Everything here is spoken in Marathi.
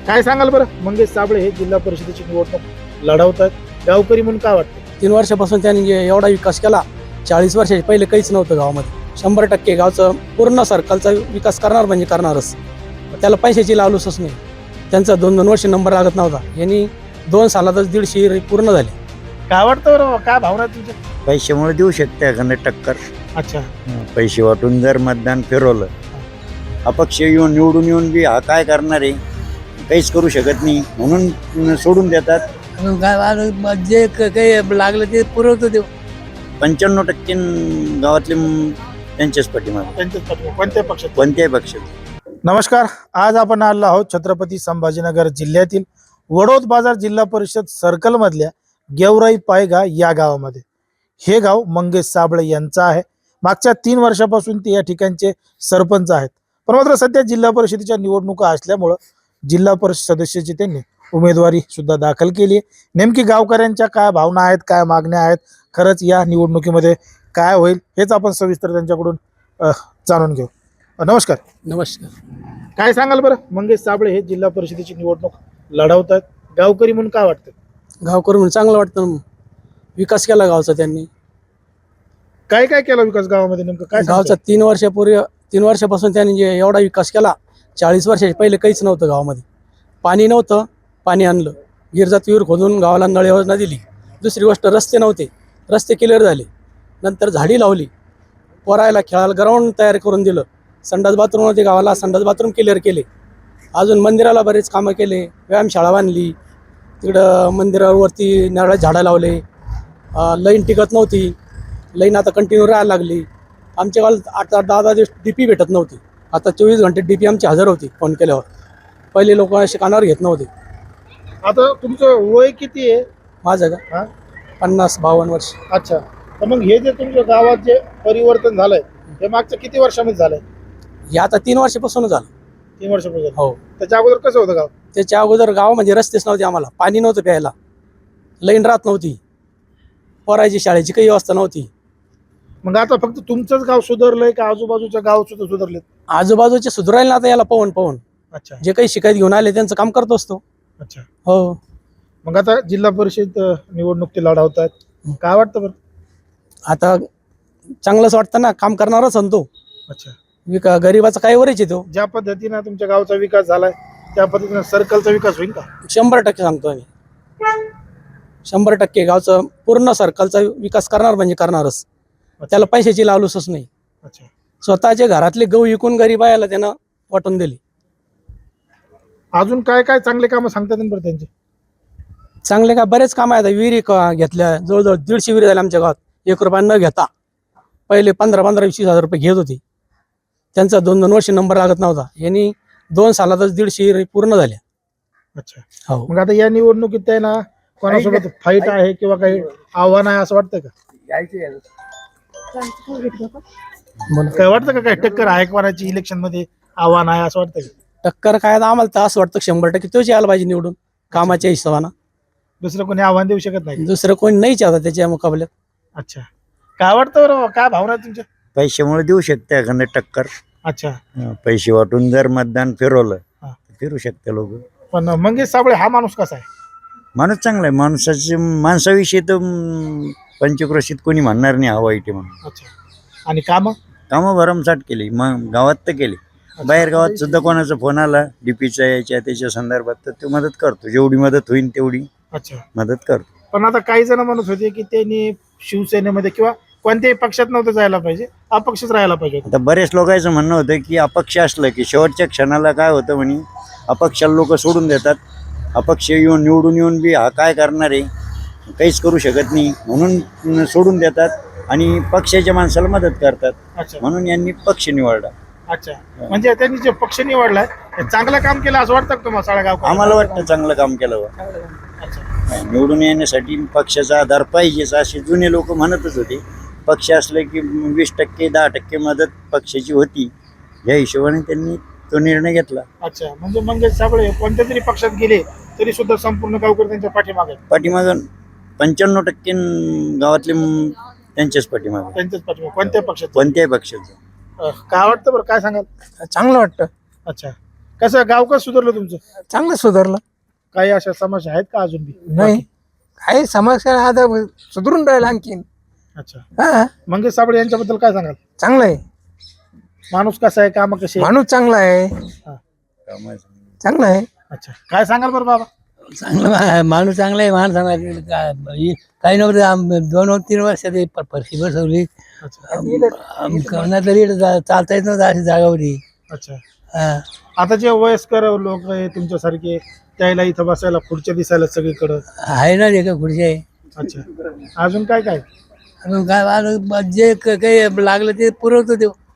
काय सांगाल बरं, मंगेश साबळे हे जिल्हा परिषदेची निवडणूक लढवतात, गावकरी म्हणून काय वाटतं? 3 वर्षापासून त्यांनी एवढा विकास केला. 40 वर्षाच्या पहिले काहीच नव्हतं गावामध्ये. 100% गावचं पूर्ण सर्कलचा विकास करणार म्हणजे करणारच. त्याला पैशाची लालूसच नाही. त्यांचा 2-2 वर्ष नंबर लागत नव्हता. यांनी 2 सालातच 150 पूर्ण झाले. काय वाटतं बरं, काय भावना आहे तुमच्या? पैशामुळे देऊ शकते एखादं टक्कर. अच्छा, पैसे वाटून जर मतदान फिरवलं, अपक्ष येऊन निवडून येऊन बी हा काय करणार आहे, काहीच करू शकत नाही म्हणून सोडून देतात. जे काही लागलं ते पुरवतो ते. 95% गावातले त्यांच्याच पाठीमागे, त्यांच्याच पाठीमागे. कोणत्या पक्षात? कोणत्याही पक्षात. नमस्कार, आज आपण आलो आहोत छत्रपती संभाजीनगर जिल्ह्यातील वडोद बाजार जिल्हा परिषद सर्कल मधल्या गेवराई पायगा या गावामध्ये. हे गाव मंगेश साबळे यांचं आहे. मागच्या 3 वर्षापासून ते या ठिकाणचे सरपंच आहेत. पण मात्र सध्या जिल्हा परिषदेच्या निवडणुका असल्यामुळं जिल्हा परिषद सदस्याची त्यांनी उमेदवारी सुद्धा दाखल केली. नेमकी गावकऱ्यांच्या काय भावना आहेत, काय मागण्या आहेत, खरंच या निवडणुकीमध्ये काय होईल हेच आपण सविस्तर त्यांच्याकडून जाणून घेऊ. नमस्कार. नमस्कार. काय सांगाल बरं, मंगेश साबळे हे जिल्हा परिषदेची निवडणूक लढवतात, गावकरी म्हणून काय वाटतं? गावकरी म्हणून चांगलं वाटतं. विकास केला गावचा त्यांनी. काय काय केला विकास गावामध्ये, नेमकं काय गावचा 3 वर्षापासून त्यांनी एवढा विकास केला. 40 वर्षाच्या पहिले काहीच नव्हतं गावामध्ये. पाणी नव्हतं, पाणी आणलं. गिरजात विहीर खोदून गावाला नळ योजना दिली. दुसरी गोष्ट, रस्ते नव्हते, रस्ते क्लिअर झाले. नंतर झाडी लावली. पोरायला खेळायला ग्राउंड तयार करून दिलं. संडास बाथरूम होते गावाला, संडास बाथरूम क्लिअर केले. अजून मंदिराला बरेच कामं केले. व्यायामशाळा बांधली. तिकडं मंदिरावरती नारळ झाडं लावले. लाईन टिकत नव्हती, लाईन आता कंटिन्यू राहायला लागली. आमच्या गावात 8-10 दिवस DP भेटत नव्हती. आता 24 घंटे DP आमची हजर होती फोन केल्यावर. पहिले लोक असे कानावर घेत नव्हते. आता तुमचं वय किती आहे? माझं का 50-52 वर्ष. अच्छा, तर मग हे जे तुमच्या गावात जे परिवर्तन झालंय हे मागच्या किती वर्षामध्ये झालंय? हे आता 3 वर्षापासून झालं. 3 वर्षापासून. हो. त्याच्या अगोदर कसं होतं गाव? त्याच्या अगोदर गाव म्हणजे रस्तेच नव्हते, आम्हाला पाणी नव्हतं प्यायला, लाईन राहत नव्हती, पोरायची शाळेची काही व्यवस्था नव्हती. मग आता फक्त तुमचंच गाव सुधारलंय का आजूबाजूच्या गाव सुद्धा सुधारलेत? आजूबाजूचे सुधारायला आता याला पवन. अच्छा जे काही शिकायत घेऊन आले त्यांचं काम करत असतो. अच्छा. हो. मग आता जिल्हा परिषद निवडणूक ते लढवतात, काय वाटतं बरं? आता चांगलंच वाटतं ना, काम करणारच आणतो. अच्छा, गरीबाचा काय वरच येतो. ज्या पद्धतीनं तुमच्या गावचा विकास झालाय त्या पद्धतीनं सर्कलचा विकास होईल का? 100% सांगतो आम्ही. 100% गावचं पूर्ण सर्कलचा विकास करणार म्हणजे करणारच. त्याला पैशाची लालूसच नाही. अच्छा, स्वतःच्या घरातले गहू विकून गरीबायाला त्यानं वाटून दिली. अजून काय काय चांगले कामं सांगतात बरं त्यांचे? चांगले का बरेच काम आहेत. विहिरी घेतल्या, जवळजवळ 150 विहिरी झाल्या आमच्या गावात 1 रुपया न घेता. पहिले 15-20 हजार रुपये घेत होती. त्यांचा 2-2 वर्ष नंबर लागत नव्हता. यांनी 2 सालातच 150 विहिरी पूर्ण झाल्या. अच्छा. हो. मग आता या निवडणुकीत आहे ना, कोणासोबत फाईट आहे किंवा काही आव्हान आहे असं वाटतं का? काय वाटतं का, काय टक्कर आहे कोणाची इलेक्शन मध्ये, आव्हान आहे असं वाटतं का? टक्कर काय, आम्हाला तर असं वाटतं 100% तोच यायला पाहिजे निवडून कामाच्या हिशोबानं. दुसरं कोणी आव्हान देऊ शकत नाही? दुसरं कोणी नाहीच आता त्याच्या मुकाबल्यात. अच्छा, काय वाटतं बरं, काय भावना आहे तुमच्या? पैशामुळे देऊ शकते एखादं टक्कर. अच्छा, पैसे वाटून जर मतदान फिरवलं, हा. फिरू शकते लोक. पण मंगेश साबळे हा माणूस कसा आहे? माणूस चांगला आहे. माणसाविषयी तर पंचक्रोशीत कोणी म्हणणार नाही हा वाईट आहे म्हणून. अच्छा, आणि कामं भरमसाठ केली, मग गावात तर केली. बाहेर गावात सुद्धा कोणाचा फोन आला DPचा याच्या त्याच्या संदर्भात तर ते मदत करतो. जेवढी मदत होईल तेवढी अच्छा मदत करतो. पण आता काही जण म्हणत होते की त्यांनी शिवसेनेमध्ये किंवा कोणत्याही पक्षात नव्हतं जायला पाहिजे, अपक्षच राहायला पाहिजे. आता बरेच लोकांचं म्हणणं होतं की अपक्ष असलं की शेवटच्या क्षणाला काय होतं म्हणे, अपक्षाला लोक सोडून देतात. अपक्ष येऊन निवडून येऊन बी हा काय करणार आहे, काहीच करू शकत नाही म्हणून सोडून देतात आणि पक्षाच्या माणसाला मदत करतात. अच्छा, म्हणून यांनी पक्ष निवडला. अच्छा, म्हणजे त्यांनी जे पक्ष निवडलाय ते चांगलं काम केलं असं वाटतं का तुम्हाला सगळ्या गाव? आम्हाला वाटतं चांगलं काम केलं बा. अच्छा, निवडून येण्यासाठी पक्षाचा आधार पाहिजेच असे जुने लोक म्हणतच होते. पक्ष असले की 20%, 10% मदत पक्षाची होती. या हिशोबाने त्यांनी तो निर्णय घेतला. अच्छा, म्हणजे मंगेश साबळे कोणत्या तरी पक्षात गेले तरी सुद्धा संपूर्ण गावकरी त्यांच्या पाठीमागे आहेत. पाठीमागं 95% गावातले त्यांच्याच पाठीमागे, त्यांच्याच पाठीमागे. कोणत्या पक्षात? कोणत्याही पक्षाचं. काय वाटतं बरं, काय सांगाल? चांगलं वाटतं. अच्छा, कसं गाव कसं सुधारलं तुमचं? चांगलं सुधारलं. काही अशा समस्या आहेत का अजून बी? नाही काही समस्या आता सुधरून राहिला आणखीन. अच्छा, हा मंगेश साबळे यांच्याबद्दल काय सांगाल? चांगलं आहे. माणूस कसा आहे, काम कसे? माणूस चांगला आहे. चांगला आहे. अच्छा, काय सांगाल बरं बाबा? चांगलं माणूस चांगला आहे. माणूस काही नव्हतं 2-3 वर्षात फरशी बसवली. तरी चालता येत नव्हतं अशी जागा होती. अच्छा, हा. आता जे वयस्कर लोक आहे तुमच्यासारखे त्याला इथं बसायला खुर्च्या दिसायला सगळीकडं. आहे ना रे का खुर्ची आहे. अच्छा, अजून काय काय? अजून काय जे काही लागलं ते पुरवतो देऊ.